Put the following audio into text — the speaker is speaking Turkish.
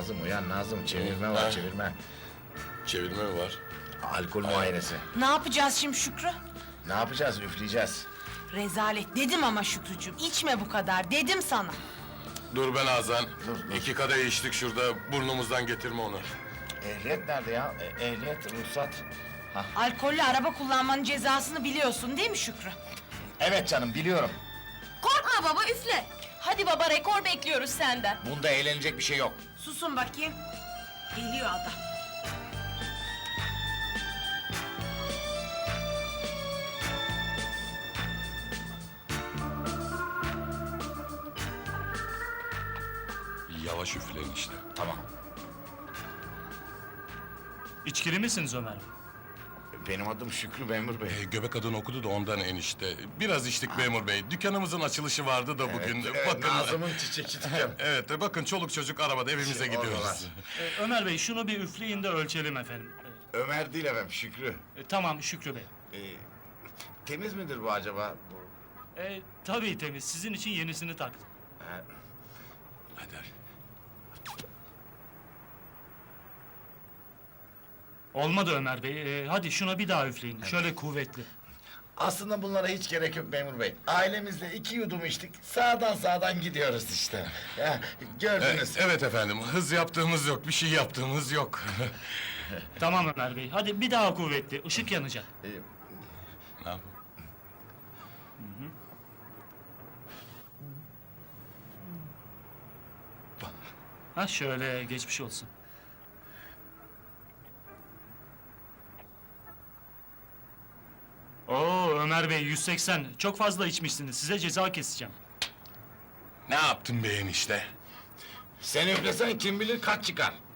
Nazım uyan Nazım, çevirme var çevirme. Çevirme mi var? Alkol muayenesi. Ne yapacağız şimdi Şükrü? Ne yapacağız, üfleyeceğiz. Rezalet dedim ama Şükrücüğüm, içme bu kadar dedim sana. Dur ben Azan. Dur. 2 kadeh içtik şurada, burnumuzdan getirme onu. Ehliyet nerede ya? Ehliyet, ruhsat. Alkollü araba kullanmanın cezasını biliyorsun değil mi Şükrü? Evet canım, biliyorum. Korkma baba, üfle. Hadi baba, rekor bekliyoruz senden. Bunda eğlenecek bir şey yok. Susun bakayım. Geliyor adam. Yavaş üfleyin işte. Tamam. İçkili misiniz Ömer Bey? Benim adım Şükrü memur bey. Göbek adını okudu da ondan enişte. Biraz içtik memur bey. Dükkanımızın açılışı vardı da bugün. Bakın. Nazım'ın çiçekçi dükkanı. Evet, bakın çoluk çocuk arabada evimize gidiyoruz. oradalar. Ömer Bey şunu bir üfleyin de ölçelim efendim. Ömer değil efendim, Şükrü. Tamam Şükrü Bey. Temiz midir bu acaba? Tabii temiz. Sizin için yenisini taktım. Hadi. Olmadı Ömer Bey. Hadi şuna bir daha üfleyin. Şöyle kuvvetli. Aslında bunlara hiç gerek yok memur bey. Ailemizle 2 yudum içtik, sağdan gidiyoruz işte. Ya, gördünüz. Evet efendim, hız yaptığımız yok, bir şey yaptığımız yok. Tamam Ömer Bey. Hadi bir daha kuvvetli. Işık yanacak. Ne yapayım? Ha şöyle geçmiş olsun. Oo Ömer Bey 180. Çok fazla içmişsiniz. Size ceza keseceğim. Ne yaptın be enişte? Sen üflesen kim bilir kaç çıkar.